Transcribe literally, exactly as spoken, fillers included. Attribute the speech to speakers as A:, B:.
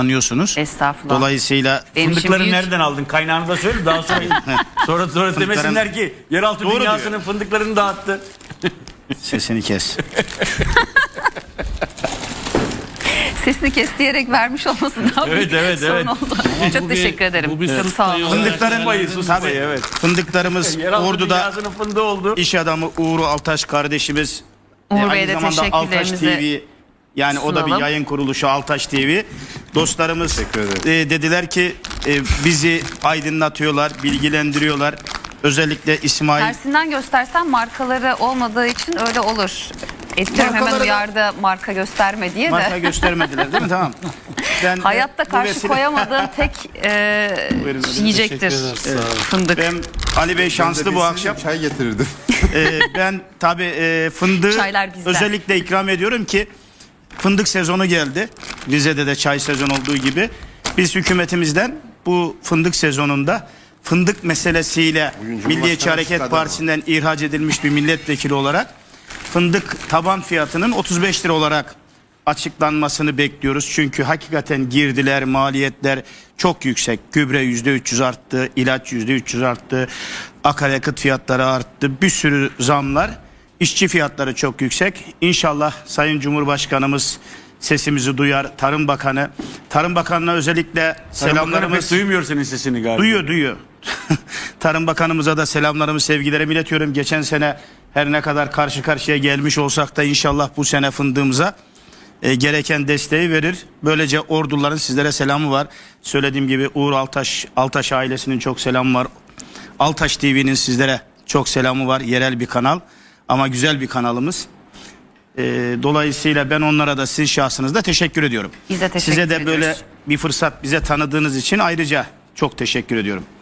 A: anlıyorsunuz.
B: Estağfurullah.
A: Dolayısıyla
B: Benim
C: Fındıkları
B: büyük...
C: nereden aldın? Kaynağını da söyle daha sonra sonra sonra demesinler ki yeraltı
A: Doğru
C: dünyasının
A: diyor.
C: fındıklarını dağıttı.
A: Sesini kes.
B: Sesini kes diyerek vermiş olması daha
C: Evet,
B: büyük
C: evet,
B: sorun
C: evet.
B: oldu.
D: Ama
B: Çok
D: bu bir-
B: teşekkür ederim.
D: bu bir
B: Çok
D: sus
B: sağ
D: payı
B: olun.
D: olarak
A: Fındıkların
C: Susmayı, susmayı, evet.
A: Fındıklarımız
C: Yeraltı
A: Ordu'da
C: dünyasının fındığı oldu.
A: iş adamı Uğur Altaş kardeşimiz.
B: Uğur
A: e,
B: Bey'e
A: aynı
B: de
A: zamanda Altaş T
B: teşekkürlerimizi
A: V, yani o da bir
B: sunalım.
A: yayın kuruluşu Altaş T V. Dostlarımız e, dediler ki e, bizi aydınlatıyorlar, bilgilendiriyorlar. Özellikle İsmail.
B: Tersinden göstersen markaları olmadığı için öyle olur. Eskiden hemen
A: Markaları da-
B: uyardı marka gösterme diye de.
A: Marka göstermediler değil mi? Tamam. Ben, e,
B: Hayatta
A: bu
B: karşı
A: vesile-
B: koyamadığın tek e,
A: Buyurun, buyurun.
B: yiyecektir
D: Teşekkür ederiz, sağ olun.
B: fındık.
A: Ben Ali Bey şanslı bu akşam.
E: Çay getirirdim.
A: Ee, ben tabii e, fındığı
B: Çaylar bizden.
A: özellikle ikram ediyorum ki fındık sezonu geldi. Rize'de de çay sezonu olduğu gibi. Biz hükümetimizden bu fındık sezonunda fındık meselesiyle
E: Bugün
A: Milliyetçi
E: Cumhurbaşkanı
A: Hareket
E: açıkladı
A: Partisi'nden ihraç edilmiş bir milletvekili olarak fındık taban fiyatının otuz beş lira olarak açıklanmasını bekliyoruz. Çünkü hakikaten girdiler, maliyetler çok yüksek. Gübre yüzde üç yüz arttı, ilaç yüzde üç yüz arttı, akaryakıt fiyatları arttı, bir sürü zamlar. İşçi fiyatları çok yüksek. İnşallah Sayın Cumhurbaşkanımız sesimizi duyar. Tarım Bakanı, Tarım Bakanı'na özellikle
C: Selamlarımız
A: selamlarımız
C: duymuyor senin sesini galiba.
A: duyuyor, duyuyor. Tarım Bakanımıza da selamlarımı, sevgilerimi iletiyorum. Geçen sene her ne kadar karşı karşıya gelmiş olsak da inşallah bu sene fındığımıza e, gereken desteği verir. Böylece orduların sizlere selamı var. Söylediğim gibi Uğur Altaş, Altaş ailesinin çok selamı var. Altaş T V'nin sizlere çok selamı var. Yerel bir kanal ama güzel bir kanalımız. E, dolayısıyla ben onlara da sizin şahsınızda teşekkür ediyorum.
B: Biz de teşekkür
A: Size de böyle
B: ediyoruz.
A: bir fırsat bize tanıdığınız için ayrıca çok teşekkür ediyorum.